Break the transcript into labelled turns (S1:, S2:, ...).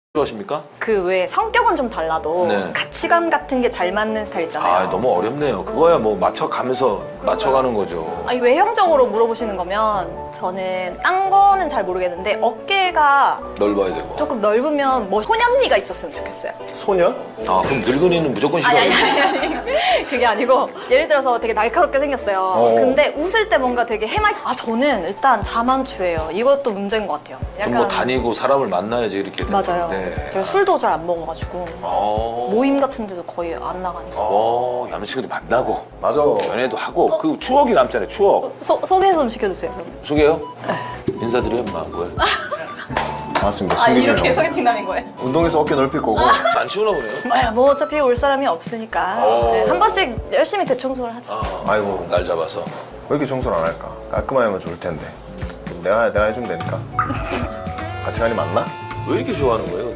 S1: 좋아하십니까?
S2: 그 왜 성격은 좀 달라도
S1: 네.
S2: 가치관 같은 게 잘 맞는 스타일 있잖아요.
S1: 아 너무 어렵네요. 그거야 뭐 맞춰가면서 맞춰가는 거죠.
S2: 아니, 외형적으로 물어보시는 거면 저는 딴 거는 잘 모르겠는데 어깨가
S1: 넓어야 되고.
S2: 조금 넓으면 뭐 소년미가 있었으면 좋겠어요.
S3: 소년?
S1: 아 그럼 늙은이는 무조건
S2: 아니
S1: 싫어요.
S2: 아니 그게 아니고 예를 들어서 되게 날카롭게 생겼어요. 근데 웃을 때 뭔가 되게 해맑. 저는 일단 자만추예요. 이것도 문제인 것 같아요.
S1: 좀 뭐 다니고 사람을 만나야지 이렇게 되는
S2: 맞아요.
S1: 건데.
S2: 제가 술도 잘 안 먹어가지고
S1: 어.
S2: 모임 같은 데도 거의 안 나가니까.
S1: 남자친구도 만나고
S3: 맞아.
S1: 연애도 하고 그 추억이 남잖아요. 추억.
S2: 소개 좀 시켜주세요. 그럼.
S1: 소개요? 인사드려 임마 뭐야?
S3: 반갑습니다.
S2: 아
S3: 신기준
S2: 이렇게
S3: 형.
S2: 소개팅남인 거예요?
S3: 운동해서 어깨 넓힐 거고.
S1: 안 치우나 보네요.
S2: 뭐 어차피 올 사람이 없으니까 네, 한 번씩 열심히 대청소를 하죠.
S3: 아이고
S1: 날 잡아서.
S3: 왜 이렇게 청소를 안 할까? 깔끔하게 하면 좋을 텐데. 내가 해주면 되니까. 같이 가니 맞나?
S1: 왜 이렇게 좋아하는 거예요?